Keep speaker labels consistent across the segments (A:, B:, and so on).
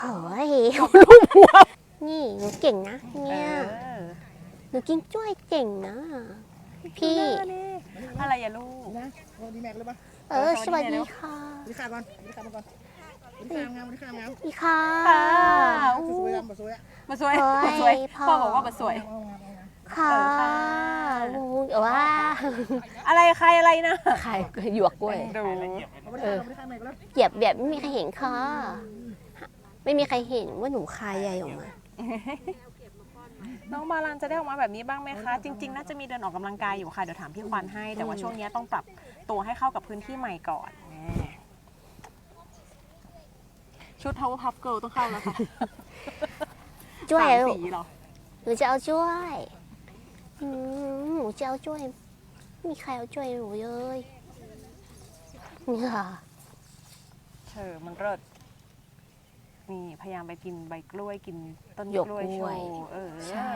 A: โอ้ยลูกหัวนี่หนูเก่งนะเนี่ยหนูกินจ้วยเก่งนะพี่
B: อะไรอย่าลูก
C: นะสวัสดีแม็กเลยปะ
A: สวัสดีค่ะ
C: สวัสดีค่ะก่อนสวัสดีค่ะมาก่อนสวัสดีค่ะงามสวัสดีค่ะงาม
A: พี่ค่ะ
C: สวยมาสวย
B: มาสวยมาสวยพ่อบอกว่ามาสวย
A: ค่ะว้า
B: อะไรใครอะไรนะ
A: ใครหยวกกล้วยเหยียบแบบไม่มีใครเห็นค่ะไม่มีใครเห็นว่าหนูคายใหญ่ออกมา
B: น้องบาลานจะได้ออกมาแบบนี้บ้างไหมคะจริงๆน่าจะมีเดินออกกำลังกายอยู่ค่ะเดี๋ยวถามพี่ควันให้แต่ว่าช่วงนี้ต้องปรับตัวให้เข้ากับพื้นที่ใหม่ก่อนชุด Power Puff Girl ต้องเข้าแล้วค่ะ
A: จ้วย
B: สีหรอ
A: หนูจะเอาจ้วยหนูจะเอาจ้วยมีใครเอาจ้วยหนูเลยนี่ค่ะ
B: มันเลิศนี่พยายามไปกินใบกล้วยกินต้นกล้วยโชว์
A: ใช่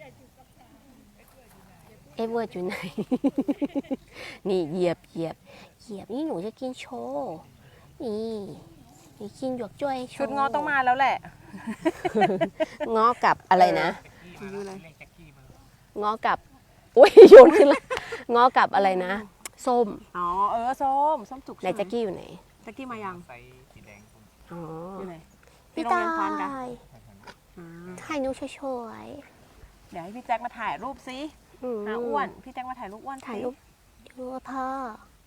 A: เอเวอร์อยู่ไหนนี่เหยียบนี่หนูจะกินโชว์นี่กินหยวกจ้วย
B: ชุดง้อต้องมาแล้วแหละ
A: ง้อกับอะไรนะง้อกับอุ้ยโยนขึ้นละง้อกับอะไรนะส้ม
B: ส้มจุก
A: ไหนแจ็กกี้อยู่ไหน
B: แจ็กกี้มายัง
A: อ๋อ
B: อยู่ไหน
A: พี่ตายถ่ายนูช่วย
B: เดี๋ยวให้พี่แจ็คมาถ่ายรูปซิอ้วนพี่แจ็คมาถ่ายรูปอ้วน
A: ถ่ายรูปพ่อ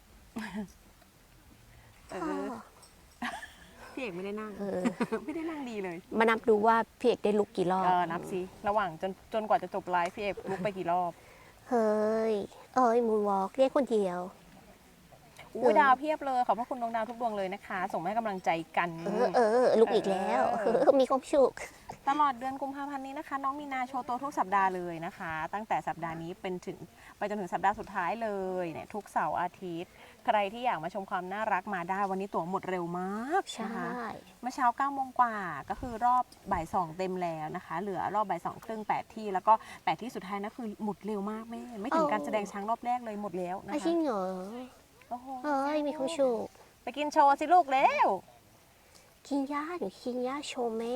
B: พี่เอกไม่ได้นั่งไม่ได้นั่งดีเลย
A: มานับดูว่าพี่เอกได้ลุกกี่รอบ
B: นับซิระหว่างจนกว่าจะจบไลฟ์พี่เอกลุกไปกี่รอบ
A: เฮ้ยมูนวอล์กเรียกคนเดียว
B: ดาวเพียบเลยขอบพระคุณดวงดาวทุกดวงเลยนะคะส่งให้กำลังใจกัน
A: ลุกอีกแล้วมีความสุข
B: ตลอดเดือนกุมภาพันธ์นี้นะคะน้องมีนาโชว์ตัวทุกสัปดาห์เลยนะคะตั้งแต่สัปดาห์นี้ไปจนถึงสัปดาห์สุดท้ายเลยเนี่ยทุกเสาร์อาทิตย์ใครที่อยากมาชมความน่ารักมาได้วันนี้ตั๋วหมดเร็วมากนะคะเมื่อเช้า9 โมงกว่าก็คือรอบบ่าย2เต็มแล้วนะคะเหลือรอบบ่าย2ครึ่ง8ที่แล้วก็8ที่สุดท้ายนะคือหมดเร็วมากแม่ไม่ถึงการแสดงช้างรอบแรกเลยหมดแล้วนะคะ
A: จริงเหรอมีความสุข
B: ไปกินโชว์สิลูกเร็ว
A: กินย่าหนูกินย่าโชว์แม่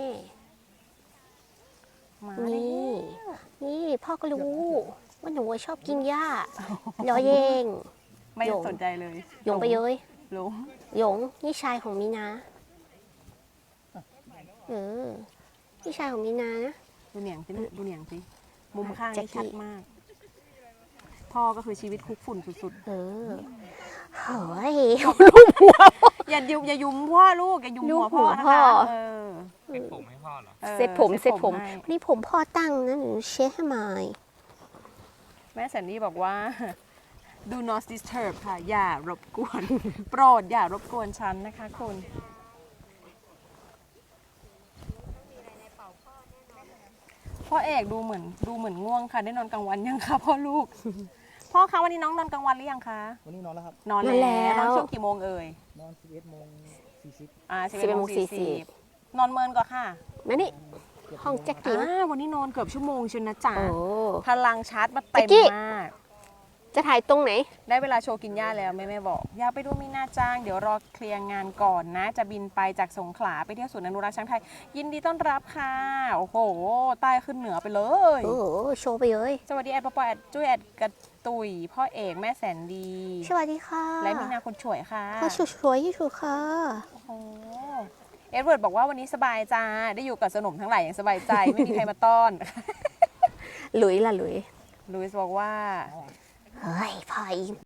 A: นี่พ่อก็รู้ว่าหนูชอบกินหญ้าล้อเยง
B: ไม่สนใจเลย
A: หยงไปเย้ยหยงนี่ชายของมีนานี่ชายของมีนานะ
B: ดูเหนียงสิมุมข้างนี่ชัดมากพ่อก็คือชีวิตคุกฝุ่นสุดๆ
A: เฮ้ย
B: ลูกหัวอย่ายุมพ่อลูกอย่ายุมหัวพ่อนะคะ
D: เซ็ตผมให้พ่อเหรอ
A: เซ็ตผมนี่ผมพ่อตั้งนะหนูเช็ดให้ใหม่
B: แม่แสนดี้บอกว่า do not disturb ค่ะอย่ารบกวนโปรดอย่ารบกวนฉันนะคะคุณพ่อเอกดูเหมือนง่วงค่ะได้นอนกลางวันยังคะพ่อลูกพ่อคะวันนี้น้องนอนกลางวันหรือยังคะ
C: วันนี้นอนแล้วครับ
B: นอนแล้วนอนช่วงกี่โมงเอ่ย
C: นอน11:40
B: นอนเมินก่อนค่ะ
A: มานี่ห้องแจ็คกี้
B: วันนี้นอนเกือบชั่วโมงเชียวนะจ๊ะพลังชาร์จมาเต็มมาก
A: จะถ่ายตรงไหน
B: ได้เวลาโชว์กินหญ้าแล้วแม่บอกอย่าไปดูมีนาจ้างเดี๋ยวรอเคลียร์งานก่อนนะจะบินไปจากสงขลาไปเที่ยวศูนย์อนุรักษ์ช้างไทยยินดีต้อนรับค่ะโอ้โหใต้ขึ้นเหนือไปเลย
A: โชว์ไปเลย
B: สวัสดีแอดปอแอดจุ้ยแอดกระตุยพ่อเอกแม่แสนดี
A: สวัสดีค่ะ
B: และมีนาคนช่วยค่ะ
A: สวยที่สุดค่ะ
B: โอ้โหเอ็ดเวิร์ดบอกว่าวันนี้สบายจ้าได้อยู่กับสนมทั้งหลายอย่างสบายใจไม่มีใครมาต้อน
A: หลุยส์บอก
B: ว่า
A: เฮ้ยพาย